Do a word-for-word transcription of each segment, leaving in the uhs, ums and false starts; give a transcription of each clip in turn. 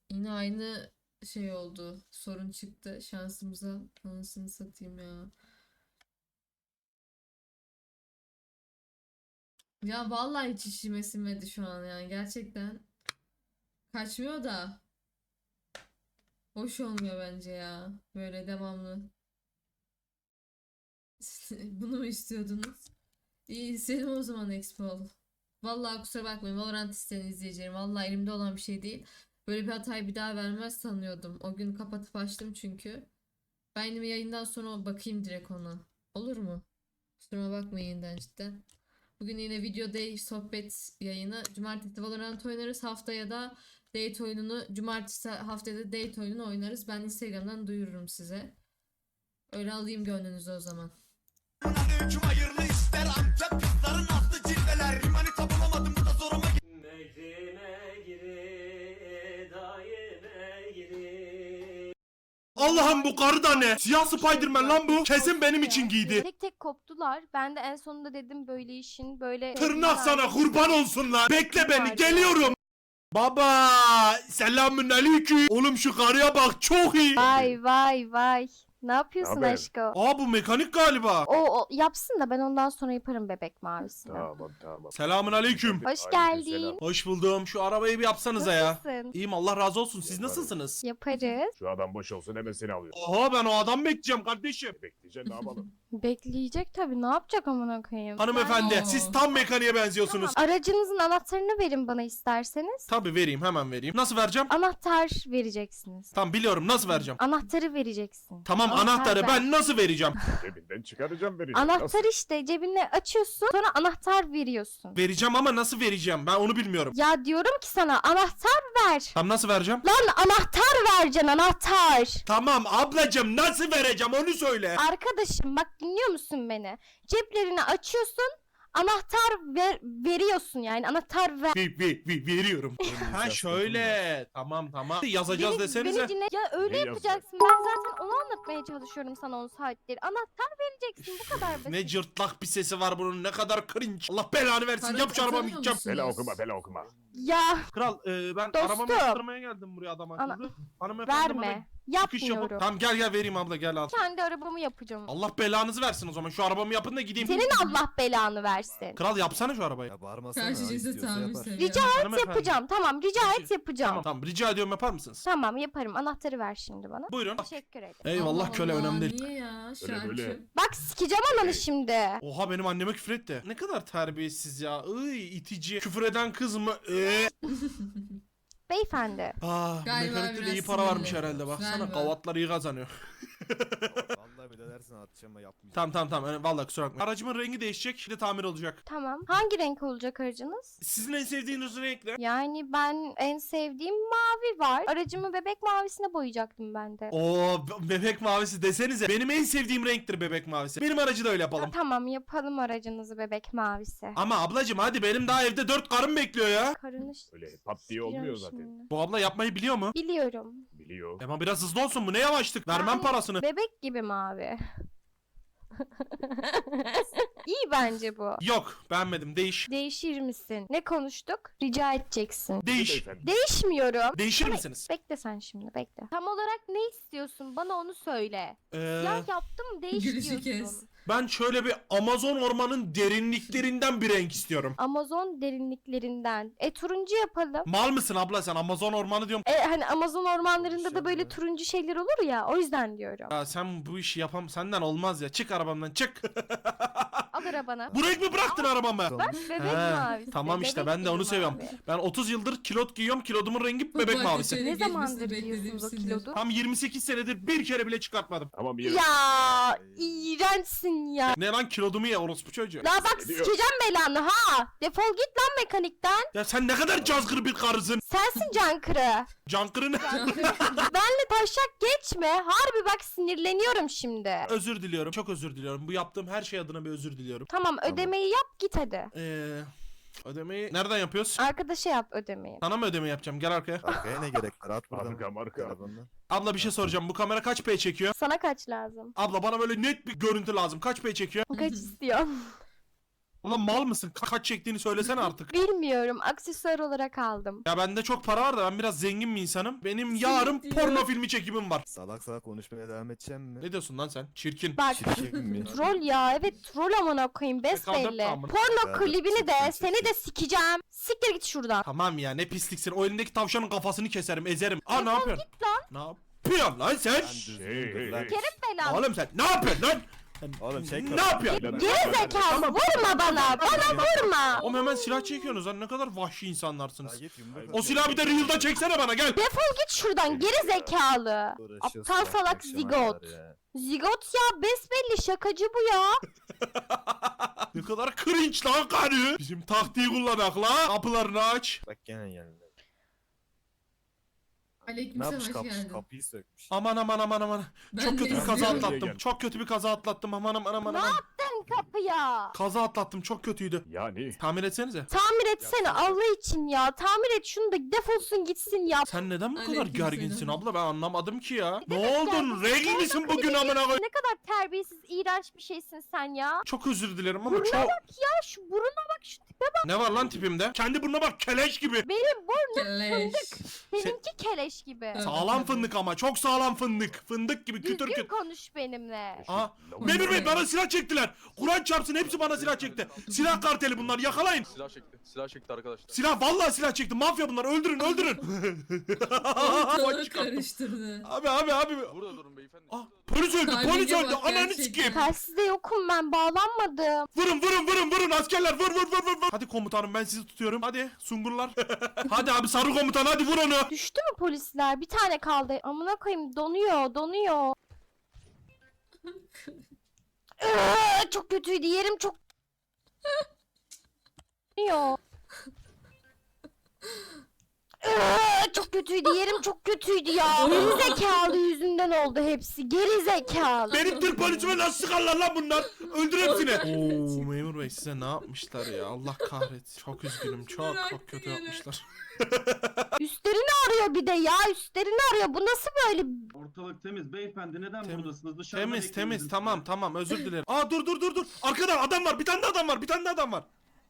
Yine aynı şey oldu. Sorun çıktı şansımıza. Anasını satayım ya. Ya vallahi hiç işime sinmedi şu an yani. Gerçekten kaçmıyor da. Hoş olmuyor bence ya. Böyle devamlı. Bunu mu istiyordunuz? İyi senin o zaman Expo. Vallahi kusura bakmayın Valorant isteyen izleyicilerim. Vallahi elimde olan bir şey değil. Böyle bir hatayı bir daha vermez sanıyordum. O gün kapatıp açtım çünkü. Ben yine yayından sonra bakayım direkt ona. Olur mu? Kusuruma bakmayın yeniden cidden. Bugün yine video day sohbet yayını. Cumartesi Valorant oynarız. Haftaya da date oyununu, cumartesi haftaya da date oyununu oynarız. Ben Instagram'dan duyururum size. Öyle alayım gönlünüzü o zaman. Aleyküm hayırlı işler Antep kızların aslı cilveler Manita bulamadım bu da zoruma Megrime giri, daime giri. Allah'ım bu karı da ne? Siyah Spiderman lan bu. Kesin benim için giydi. Tek tek koptular. Ben de en sonunda dedim böyle işin böyle... Tırnak sana kurban olsunlar. Bekle beni geliyorum. Baba selamün aleyküm. Oğlum şu karıya bak çok iyi. Vay vay vay. Ne yapıyorsun Naber? aşko? Aa bu mekanik galiba. O, o yapsın da ben ondan sonra yaparım bebek mavisini. Tamam tamam. Selamün aleyküm. Hoş Aleykümselam. geldin. Hoş buldum. Şu arabayı bir yapsanıza ya. Nasılsın? İyiyim Allah razı olsun. Siz Yaparım. nasılsınız? Yaparız. Şu adam boş olsun hemen seni alıyor. Oha ben o adam bekleyeceğim kardeşim. Bekleyeceksin ne yapalım? Bekleyecek tabii. Ne yapacak amına koyayım? Hanımefendi Ben- siz tam mekaniğe benziyorsunuz. Aracınızın anahtarını verin bana isterseniz. Tabii vereyim hemen vereyim. Nasıl vereceğim? Anahtar vereceksiniz. Tam biliyorum nasıl vereceğim. Anahtarı vereceksin. Tamam Anahtar anahtarı ver. ben nasıl vereceğim? Cebinden çıkaracağım vereceğim. Anahtar işte cebine açıyorsun sonra anahtar veriyorsun. Vereceğim ama nasıl vereceğim? Ben onu bilmiyorum. Ya diyorum ki sana anahtar ver. Tam nasıl vereceğim? Lan anahtar vereceksin anahtar. Tamam ablacım nasıl vereceğim onu söyle. Arkadaşım bak dinliyor musun beni? Ceplerini açıyorsun anahtar ver, veriyorsun yani anahtar ver. Vi, vi, vi, veriyorum. ha şöyle. Tamam tamam. Yazacağız Beni- desenize. beni dinle. Ya öyle Ne yapacaksın. Ben zaten onu anlatmaya çalışıyorum sana on saattir. Anahtar vereceksin bu kadar basit. Ne cırtlak bir sesi var bunun ne kadar cringe. Allah belanı versin Para yap şu arabamı kazanıyor gideceğim. musunuz? Bela okuma bela okuma. Ya Kral e, ben Dostum. arabamı yaptırmaya geldim buraya adam Ana- akıllı. Hanımefendi bana verme. çıkış yapıp. Yapmıyorum. Tamam gel gel vereyim abla gel al. Kendi arabamı yapacağım. Allah belanızı versin o zaman şu arabamı yapın da gideyim. Senin Allah belanı versin. Kral yapsana şu arabayı. Ya bağırmasana. Karşı cinse istiyorsa tahammül yapar. seviyor. Rica Hanımefendi. Yapacağım tamam rica et yapacağım. Tamam tamam rica ediyorum yapar mısınız? Tamam yaparım anahtarı ver şimdi bana. Buyurun. Teşekkür ederim. Eyvallah Allah köle Allah, önemli değil. Niye ya Öyle şarkı? böyle. Bak sikeceğim ananı şimdi. Oha benim anneme küfür etti. Ne kadar terbiyesiz ya. Iy itici. Küfür eden kız mı? Ee. Beyefendi. Ah Galiba mekanikte de biraz iyi para varmış sinirli. herhalde baksana Galiba. kavatlar iyi kazanıyor. Vallahi bir de dersin atacağım ama yapmayacağım. Tamam tamam tamam yani vallahi kusura bakmayın. Aracımın rengi değişecek şimdi tamir olacak. Tamam. Hangi renk olacak aracınız? Sizin en sevdiğiniz renk ne? Yani ben en sevdiğim mavi var. Aracımı bebek mavisine boyayacaktım ben de. Oo be- bebek mavisi desenize. Benim en sevdiğim renktir bebek mavisi. Benim aracı da öyle yapalım. Tamam yapalım aracınızı bebek mavisi. Ama ablacım hadi benim daha evde dört karım bekliyor ya. Karını ş- Öyle pat diye olmuyor sikeceğim zaten. şimdi. Bu abla yapmayı biliyor mu? Biliyorum. Biliyor. Ama biraz hızlı olsun bu ne yavaşlık. Vermem Yani parasını. Bebek gibi mavi. İyi bence bu. Yok beğenmedim değiş. Değişir misin? Ne konuştuk? Rica edeceksin. Değiş. Beyefendi. Değişmiyorum. Değişir Ama- misiniz? Bekle sen şimdi bekle. Tam olarak ne istiyorsun? Bana onu söyle. Ee, Ya yaptım değiş Gülüşü diyorsun. kes. ben şöyle bir Amazon ormanın derinliklerinden bir renk istiyorum. Amazon derinliklerinden. E turuncu yapalım. Mal mısın abla sen Amazon ormanı diyorum. E hani Amazon ormanlarında da böyle ya. turuncu şeyler olur ya. O yüzden diyorum. Ya sen bu işi yapam senden olmaz ya. Çık arabamdan çık. Al arabana. Bu renk mi bıraktın arabamı? Bak bebek He, mavisi. tamam işte bebek ben de gibi onu seviyorum. mavi. Ben otuz yıldır kilot giyiyorum. Kilodumun rengi Bu bebek arada mavisi. şöyle Ne geçmesini zamandır beklediğim giyiyorsunuz o sinir. kilodu? Tam yirmi sekiz senedir bir kere bile çıkartmadım. Tamam bir Ya iğrençsin ya. Ne lan kilodumu ye orospu çocuğu. La bak Ne diyor? sikeceğim belanı ha. Defol git lan mekanikten. Ya sen ne kadar cazgır bir karısın. Sensin Cankırı. Cankırı ne? Benle taşak geçme. Harbi bak sinirleniyorum şimdi. Özür diliyorum. Çok özür diliyorum. Bu yaptığım her şey adına bir özür diliyorum. Tamam ödemeyi yap git hadi. Eee ödemeyi nereden yapıyoruz? Arkadaşa yap ödemeyi. Sana mı ödeme yapacağım? Gel arkaya. Arkaya ne gerek var? At buradan. Marka, marka. Telefondan. Abla bir şey soracağım. Bu kamera kaç P çekiyor? Sana kaç lazım? Abla bana böyle net bir görüntü lazım. Kaç P çekiyor? Kaç istiyorsun? Ulan mal mısın? Ka- kaç çektiğini söylesene artık. Bilmiyorum. Aksesuar olarak aldım. Ya bende çok para var da ben biraz zengin bir insanım. Benim yarın diyor. porno filmi çekimim var. Salak salak konuşmaya devam edeceğim mi? Ne diyorsun lan sen? Çirkin. Bak Çirkin mi? troll ya. Evet troll amına koyayım besbelli. Kaldım, tamam. Porno Ya, klibini de çirkin, seni çirkin. de sikeceğim. Siktir git şuradan. Tamam ya ne pisliksin. O elindeki tavşanın kafasını keserim, ezerim. Aa ne yapıyorsun? lan. Ne yapıyorsun lan sen? Lan Hey, düzgün hey, dur lan. hey. Belanı. Oğlum sen ne yapıyorsun lan? Sen Oğlum şey ne yapıyorsun? Geri zekalı vurma bana. Bana vurma. Oğlum hemen silah çekiyorsunuz lan ne kadar vahşi insanlarsınız. Ya git yumruk O silahı bir de Real'da çeksene bana gel. Defol git şuradan geri zekalı. Uğraşıyorsun Aptal bak salak akşama zigot. kadar ya. Zigot ya besbelli şakacı bu ya. Ne kadar cringe lan karı. Bizim taktiği kullanak la. Kapılarını aç. Bak gene geldi. Ne Aleykümselam yapmış hoş kapı, geldin. kapıyı sökmüş. Aman aman aman aman. Ben Çok de kötü bir kaza izliyorum. atlattım. Gel. Çok kötü bir kaza atlattım. Aman aman aman Ne aman. yaptın kapıya? Kaza atlattım çok kötüydü. Yani Tamir etsenize. Tamir etsene Allah için ya. Tamir et şunu da defolsun gitsin ya. Sen neden bu kadar Aleykümselam. gerginsin abla ben anlamadım ki ya. Ne demek oldun? gerginsin? Regl misin bugün amına koy? Ne kadar terbiyesiz, iğrenç bir şeysin sen ya. Çok özür dilerim ama Burnuna çok... bak ya şu buruna bak şu tipe bak. Ne var lan tipimde? Kendi burnuna bak keleş gibi. Benim burnum Keleş. seninki keleş gibi. Sağlam fındık ama çok sağlam fındık. Fındık gibi kütür Düzgün kütür. konuş benimle. Aa, Memur Bey bana silah çektiler. Kur'an çarpsın hepsi bana silah çekti. Silah karteli bunlar yakalayın. Silah çekti. Silah çekti arkadaşlar. Silah vallahi silah çekti. Mafya bunlar öldürün öldürün. Ortalığı karıştırdı. Abi abi abi. Burada durun beyefendi. Ah, polis öldü Kalbine polis öldü. bak Ananı gerçekten. sikeyim. Telsizde yokum ben bağlanmadım. Vurun vurun vurun vurun askerler vur vur vur vur. vur. Hadi komutanım ben sizi tutuyorum. Hadi sungurlar. Hadi abi sarı komutan hadi vur onu. Düştü mü polisler? Bir tane kaldı. Amına koyayım donuyor donuyor. Iıı, çok kötüydü yerim çok donuyor. Iıı, çok kötüydü yerim çok kötüydü ya. Geri zekalı yüzünden oldu hepsi. Geri zekalı. Benim Türk polisime nasıl sıkarlar lan bunlar? Öldür hepsini. Oo memur bey size ne yapmışlar ya Allah kahretsin. Çok üzgünüm çok çok kötü yapmışlar. Üstlerini arıyor bir de ya. Üstlerini arıyor. Bu nasıl böyle? Ortalık temiz beyefendi neden Tem- buradasınız? Dışarıda Temiz bekliyoruz temiz biz tamam sizi. tamam özür dilerim. Aa dur dur dur dur. Arkada adam var bir tane de adam var bir tane de adam var.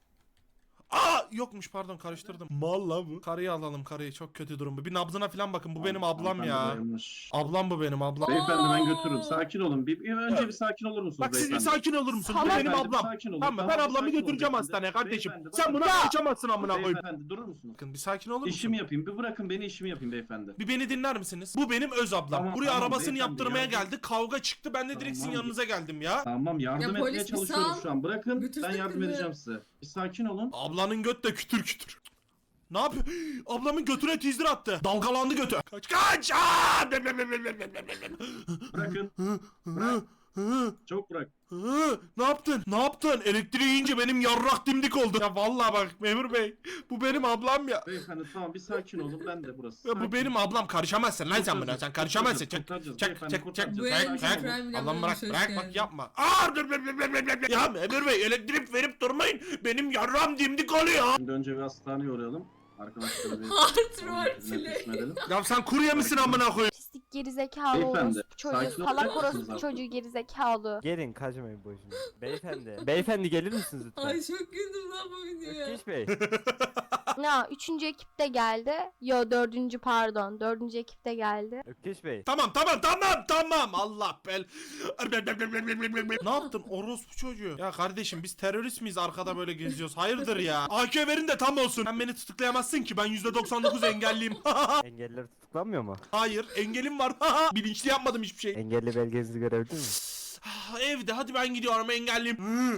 Aa yokmuş pardon karıştırdım. Mal la bu. Karıyı alalım karıyı çok kötü durum bu. Bir nabzına falan bakın bu benim ablam Hanımefendi ya. bayılmış. Ablam bu benim ablam. Beyefendi ben götürürüm. Sakin olun. Bir, bir önce bir sakin olur musunuz Bak siz bir beyefendi? sakin olur musunuz? Bu Salak. benim Beyefendi, bir ablam. sakin olun. Tamam mı? Ben Tamam, ablamı sakin olun götüreceğim beyefendi. hastaneye kardeşim. Beyefendi, Sen buna Ya. kaçamazsın amına koyayım. Beyefendi durur musunuz? Bakın bir sakin olur musun? İşimi yapayım. Bir bırakın beni işimi yapayım beyefendi. Bir beni dinler misiniz? Bu benim öz ablam. Tamam, Buraya tamam, arabasını beyefendi, yaptırmaya yardım- geldi. Kavga çıktı. Ben de direkt sizin Tamam. yanınıza geldim ya. Tamam yardım Ya etmeye polis bir çalışıyorum sal. şu an. Bırakın Götürsün ben yardım kızı. edeceğim size. Bir sakin olun. Ablanın göt de kütür kütür. Ne yapıyor? Ablamın götüne teaser attı. Dalgalandı götü. Kaç kaç! Aa! Bem, bem, bem, bem, bem, bem, bem. Bırakın. Hı, hı, hı, Çok bırak. hı. Ne yaptın? Ne yaptın? Elektriği yiyince benim yarrak dimdik oldu. Ya vallahi bak memur bey. Bu benim ablam ya. Beyefendi tamam bir sakin olun. Ben de burası. Ya bu Sakin. benim ablam karışamazsın lan sen buna. Kurtaracağız, Sen karışamazsın. Çek kurtaracağız, çek beyefendi, çek çek kurtaracağız. Bu çek en çek. crime Allah'ım bırak yapmış, bırak hoş bak geldin. yapma. Aa! Dur, dur, dur, dur, dur, dur. Ya memur bey elektrik verip durmayın. Benim yarram dimdik oluyor. Şimdi önce bir hastaneye uğrayalım. Arkadaşlar bir Hard onun role hizmetine play. teslim edelim. Ya sen kurye misin amına koyayım? Pislik gerizekalı Beyefendi, orospu çocuğu. sakin Salak olacak mısınız orospu artık? çocuğu gerizekalı. Gelin kaçmayın boşuna. Beyefendi. Beyefendi gelir misiniz lütfen? Ay çok güldüm lan bu videoya. Ökkeş Bey. Ya üçüncü ekip de geldi. Yo dördüncü pardon. Dördüncü ekip de geldi. Ökkeş Bey. Tamam tamam tamam tamam Allah bel. Ne yaptın orospu çocuğu? Ya kardeşim biz terörist miyiz arkada böyle geziyoruz? Hayırdır ya? A K verin de tam olsun. Sen beni tutuklayamazsın ki ben yüzde doksan dokuz engelliyim. Engelliler tutuklanmıyor mu? Hayır engelim var. Bilinçli yapmadım hiçbir şey. Engelli belgenizi görebilir miyim? Ah, Evde hadi ben gidiyorum engelliyim.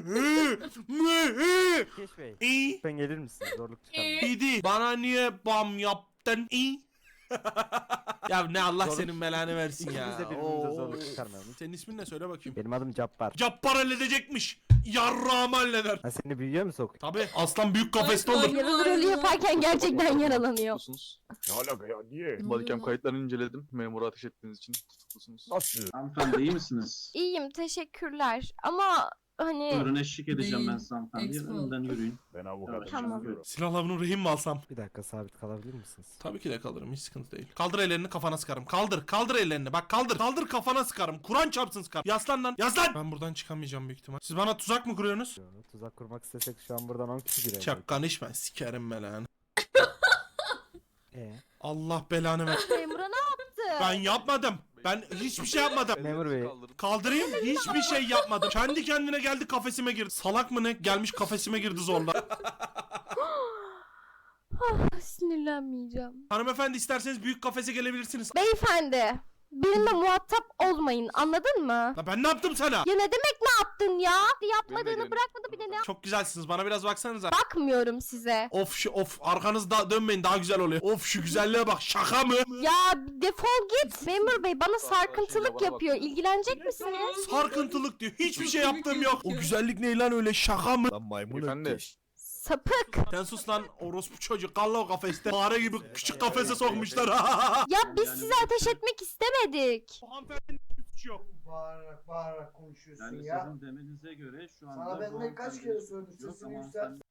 Ökkeş Bey. İyi. Lütfen gelir misiniz? Zorluk çıkarmayın. İdi. Bana niye bam yaptın? İyi. Ya ne Allah Zorluk- senin belanı versin ya. İkimiz de birbirimize Oo. zorluk çıkarmayalım. Senin ismin ne söyle bakayım. Benim adım Cabbar. Cappar halledecekmiş. Yarrağımı halleder. Ha seni büyüyor mu sok? Tabi aslan büyük kafeste olur. Yaralı rolü yaparken gerçekten yaralanıyor. Tutuklusunuz. Ne alaka ya niye? Bodycam kayıtlarını inceledim. Memura ateş ettiğiniz için tutuklusunuz. Nasıl? Hanımefendi iyi misiniz? İyiyim teşekkürler ama hani Buyurun eşlik edeceğim ben Değil. size hanımefendiye. Expo. Önden yürüyün. Ben avukatım. Tamam. Buyurun. Silahla bunu rehin mi alsam? Bir dakika sabit kalabilir misiniz? Tabii ki de kalırım, hiç sıkıntı değil. Kaldır ellerini, kafana sıkarım. Kaldır, kaldır ellerini. Bak kaldır, kaldır kafana sıkarım. Kur'an çarpsın sıkarım. Yaslan lan, yaslan! Ben buradan çıkamayacağım büyük ihtimal. Siz bana tuzak mı kuruyorsunuz? Yo, Tuzak kurmak istesek şu an buradan on kişi girer. Çok konuşma, sikerim ben lan. Ee? Allah belanı ver. memura ne yaptı? Ben yapmadım. Ben hiçbir şey yapmadım. Memur bey. Kaldırın. Kaldırayım, hiçbir şey yapmadım. Kendi kendine geldi kafesime girdi. Salak mı ne? Gelmiş kafesime girdi zorla. Ah, sinirlenmeyeceğim. Hanımefendi isterseniz büyük kafese gelebilirsiniz. Beyefendi, benimle muhatap olmayın, anladın mı? La ben ne yaptım sana? Ya ne demek ne yaptın ya? Yapmadığını gelin. bırakmadı bir de ne yap- Çok güzelsiniz. Bana biraz baksanıza. Bakmıyorum size. Of şu of arkanızda dönmeyin daha güzel oluyor. Of şu güzelliğe bak şaka mı? Ya defol git. Memur bey bana Bak, bak, sarkıntılık bana bak. yapıyor. İlgilenecek misiniz? Sarkıntılık diyor. Hiçbir şey yaptığım yok. O güzellik ne lan öyle şaka mı? Lan maymun Beyefendi. ökkeş. Sapık. Sen sus lan orospu çocuk. Kalla o kafeste. Fare gibi küçük kafese sokmuşlar. Ya biz size ateş etmek istemedik. Bu hanımefendinin hiçbir suçu yok. Bağırarak bağırarak konuşuyorsun Yani ya. sizin demenize göre şu anda... Sana ben bu ne kaç hanımefendi kere söyledim suçu yok sesini ama yükselt. hanımefendi-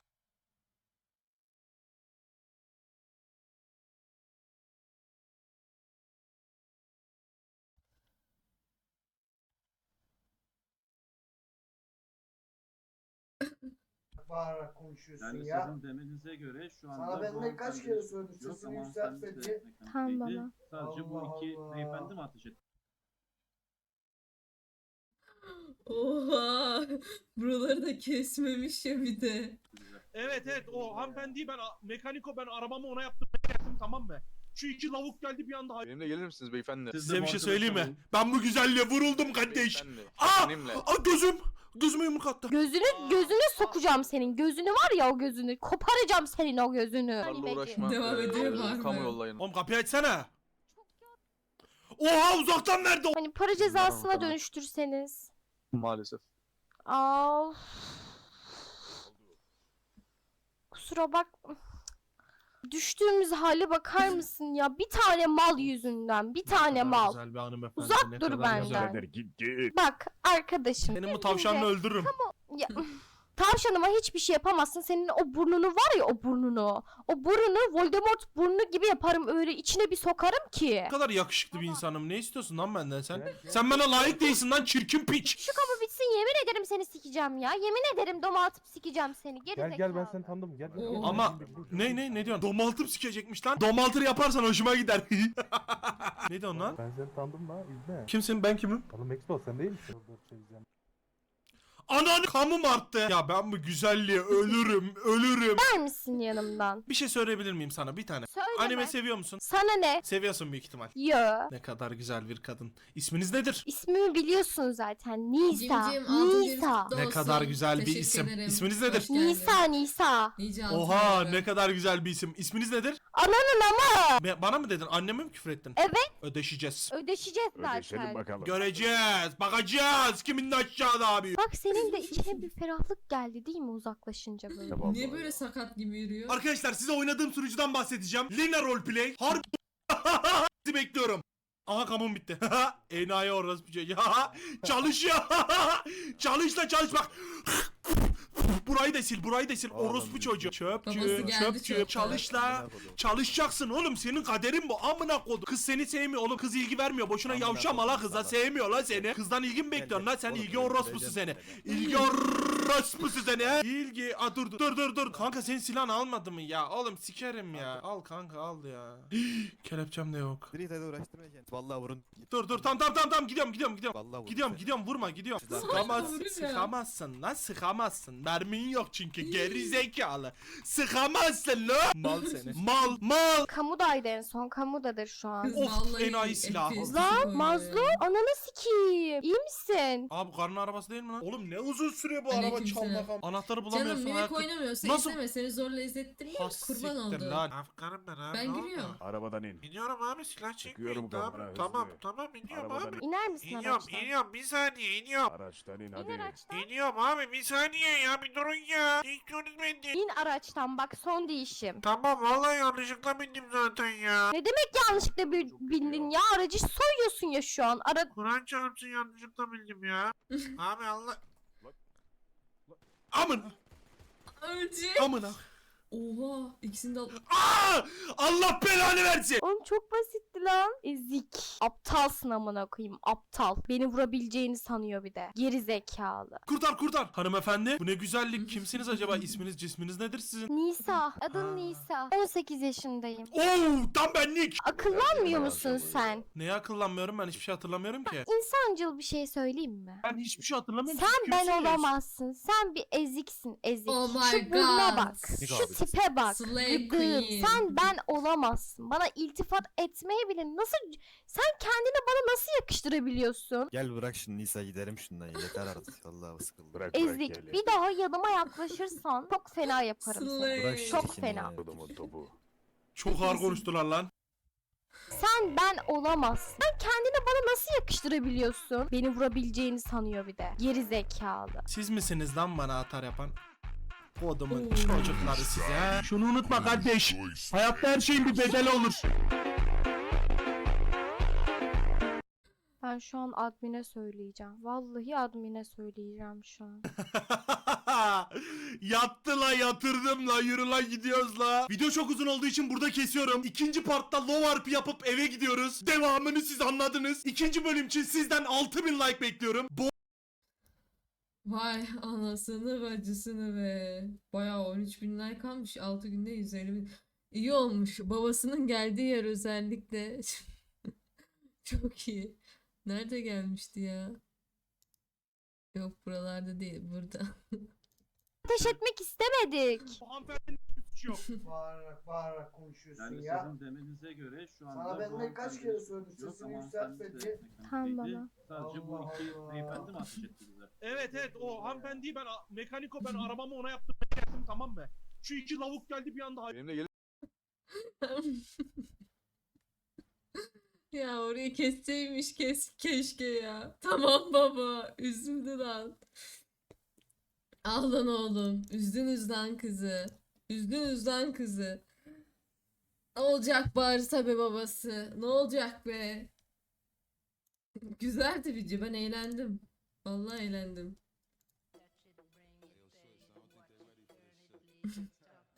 Bağırarak konuşuyorsun Yani ya. sizin demenize göre şu anda... Sana ben bu ne kaç hanımefendi kere söyledim yok sesini ama yükselt hanımefendi de diye. mekanikteydi. Tamam baba. Sadece bu Allah iki Allah. beyefendi mi ateş etti? Oha. Buraları da kesmemiş ya bir de. Evet evet o hanımefendiyi ben mekaniko ben arabamı ona yaptım. Geldim tamam mı? Şu iki lavuk geldi bir anda. Benimle gelir misiniz beyefendi? Siz de Size bir bu şey arkadaşa söyleyeyim mi? olun. Ben bu güzelliğe vuruldum kardeş. Beyefendi. Aa! Benimle. Aa gözüm. Gözüme yumruk attı. Gözünü gözünü sokacağım senin. Gözünü var ya o gözünü. Koparacağım senin o gözünü. Bunlarla uğraşma. Devam Ee, ediyor bak Kamu bak. yollayın. Oğlum kapıyı açsana. Oha uzaktan verdi. Hani para cezasına Tamam. dönüştürseniz. Maalesef. Aa. Kusura bak. Düştüğümüz hale bakar mısın ya? Bir tane mal yüzünden. Bir tane mal. Güzel bir hanımefendi. Uzak ne dur kadar benden. güzel. Birader git git. Bak arkadaşım. Senin bu tavşanını öldürürüm. Ya, tavşanıma hiçbir şey yapamazsın. Senin o burnunu var ya o burnunu. O burnunu Voldemort burnu gibi yaparım öyle içine bir sokarım ki. Ne kadar yakışıklı bir insanım. Ne istiyorsun lan benden sen? Sen bana layık değilsin lan çirkin piç. Şu kapı bitsin yemin ederim seni sikeceğim ya. Yemin ederim doma atıp sikeceğim seni. Geri Gel gel ben seni tanıdım gel. gel, gel. Ama ne ne ne diyorsun? Domaltır sikecekmiş lan. Domaltır yaparsan hoşuma gider. Ne diyorsun lan? Ben seni tanıdım lan izle. Kimsin ben kimim? Oğlum Expo sen değil misin? Dur çevireceğim. Ananı kamım arttı. Ya ben bu güzelliğe ölürüm ölürüm. Ver misin yanımdan? Bir şey söyleyebilir miyim sana bir tane? Söyleme. Anime seviyor musun? Sana ne? Seviyorsun büyük ihtimal. Yo. Ne kadar güzel bir kadın. İsminiz nedir? İsmimi biliyorsun zaten. Nisa. Cimcim altın Nisa. kutlu Ne olsun. kadar güzel bir Teşekkür isim. ederim. İsminiz nedir? Hoş geldin. Nisa Nisa. Nice altın Oha ayları. ne kadar güzel bir isim. İsminiz nedir? Ananın ama. Be- bana mı dedin? Anneme mi küfür ettin? Evet. Ödeşeceğiz. Ödeşeceğiz Ödeşelim zaten. bakalım. Göreceğiz. Bakacağız. Kimin de aşağıda abi. Bak senin de içine bir ferahlık geldi değil mi uzaklaşınca böyle? Tamam, Niye vallahi böyle ya. sakat gibi yürüyor? Arkadaşlar size oynadığım sunucudan bahsedeceğim. Lina Roleplay. Harbi sizi bekliyorum. Aha kamum bitti. Enayi orası bir şey. Çalış ya. Çalış da çalış bak. Burayı da sil, burayı da sil. Oğlum, Orospu çocuğu. Babası Çöpçü, geldi çöpçü. çöpten. Çalış la. Çalışacaksın oğlum. Senin kaderin bu. Amına kodum. Kız seni sevmiyor oğlum. Kız ilgi vermiyor. Boşuna Amına yavşama la kodum kıza. sana. Sevmiyor la seni. Kızdan ilgi mi bekliyorsun la? Sen Oğlum, ilgi öyle orospusu diyeceğim. seni. İlgi orospusu seni he. İlgi. Aa, dur dur dur dur. Kanka senin silahını almadı mı ya? Oğlum sikerim ya. Al kanka al ya. Kelepçem de yok. Direkt hadi uğraştırma kendini. Vallahi vurun. Dur dur tam tam tam tam gidiyorum gidiyorum gidiyorum. Vallahi vurun. Gidiyorum seni. gidiyorum vurma gidiyorum. Sıkama Sıkamazsın vuracağım. sıkamazsın lan sıkamazsın. Mermin yok çünkü geri zekalı. Sıkamazsın lan. Mal seni. Mal mal. Kamudaydı en son. Kamudadır şu an. Kız Of, vallahi enayi silah. F P S Lan koyuyor Mazlum ya. ananı sikeyim. İyi misin? Abi bu karın arabası değil mi lan? Oğlum ne uzun sürüyor bu araba Aleykümselam. çalmak. Anahtarı Canım bulamıyorsun. minik ayakkabı- oynamıyorsa Nasıl- izleme seni zorla izlettirmiyor. Ha, Kurban siktir oldu. lan. Afganım ben abi. Ben ne giriyorum. oldu? Arabadan in. İniyorum abi silah Çıkıyorum çekmeyin. Tamam kafana, hızlı. tamam tamam iniyorum Arabadan abi. in. İner misin İniyorum araçtan? iniyorum bir saniye iniyorum. Araçtan in İn hadi. araçtan. İniyorum abi bir saniye ya bir durun ya. Ne istiyorsunuz benden? İn araçtan bak son değişim. Tamam vallahi yanlışlıkla bindim zaten ya. Ne demek yanlışlıkla bir bindin ya? Aracı soyuyorsun ya şu an. Ara Kur'an çarpsın yanlışlıkla bildim ya. Abi Allah. Amın. Ölecek. Amına. Oha ikisini de al- Aa! Allah belanı versin. Oğlum çok basitti lan. Ezik. Aptalsın amına koyayım. Aptal. Beni vurabileceğini sanıyor bir de. Geri zekalı. Kurtar kurtar. Hanımefendi bu ne güzellik. Kimsiniz acaba? İsminiz cisminiz nedir sizin? Nisa. Adın Ha. Nisa. on sekiz yaşındayım. Oo tam benlik. Akıllanmıyor musun sen? Neye akıllanmıyorum ben hiçbir şey hatırlamıyorum ki. İnsancıl bir şey söyleyeyim mi? Ben hiçbir şey hatırlamıyorum. Sen Siz ben kimsiniz? olamazsın. Sen bir eziksin ezik. Oh my Şu burnuna God. bak. Şu tipe bak. Slay Gıdığım. queen. Sen ben olamazsın. Bana iltifat etmeye bile nasıl... Sen kendini bana nasıl yakıştırabiliyorsun? Gel bırak şimdi Nisa gidelim şundan ya. Yeter artık. Vallahi sıkıldım. Bırak bırak Ezik. gel. Bir daha yanıma yaklaşırsan çok fena yaparım seni. Slay. Bırak şu Çok dikini fena. ya. Adamın topu. Çok ağır konuştular lan. Sen ben olamazsın. Sen kendini bana nasıl yakıştırabiliyorsun? Beni vurabileceğini sanıyor bir de. Geri zekalı. Siz misiniz lan bana atar yapan? Kodumun Oo. çocukları size. Şunu unutma kardeş. Hayatta her şeyin bir bedeli olur. Ben şu an admine söyleyeceğim. Vallahi admine söyleyeceğim şu an. Yattı la yatırdım la yürü la gidiyoruz la. Video çok uzun olduğu için burada kesiyorum. İkinci partta low R P yapıp eve gidiyoruz. Devamını siz anladınız. İkinci bölüm için sizden altı bin like bekliyorum. Bo Vay anasını bacısını be. Bayağı on üç bin like almış. altı günde yüz elli bin. İyi olmuş. Babasının geldiği yer özellikle. Çok iyi. Nerede gelmişti ya? Yok buralarda değil. Burada. Ateş etmek istemedik. Bu hanımefendinin suçu yok. Bağırarak bağırarak konuşuyorsun Yani ya. sizin demenize göre şu anda Sana ben bu ne kaç hanımefendi kere söyledim, yok sesini ama yükselt hanımefendi de dedi. mekanik Tamam değildi. baba. Sadece bu Allah iki Allah. beyefendi mi ateş etti bize? Evet evet o hanımefendiyi ben mekaniko ben arabamı ona yaptım geldim tamam mı? Şu iki lavuk geldi bir anda. Benimle gelin. Ya orayı kesseymiş kes keşke ya. Tamam baba. Üzüldü lan. Ah lan oğlum. Üzdünüz lan kızı. Üzdünüz lan kızı. Ne olacak bari tabi babası. Ne olacak be. Güzeldi video. Ben eğlendim. Vallahi eğlendim.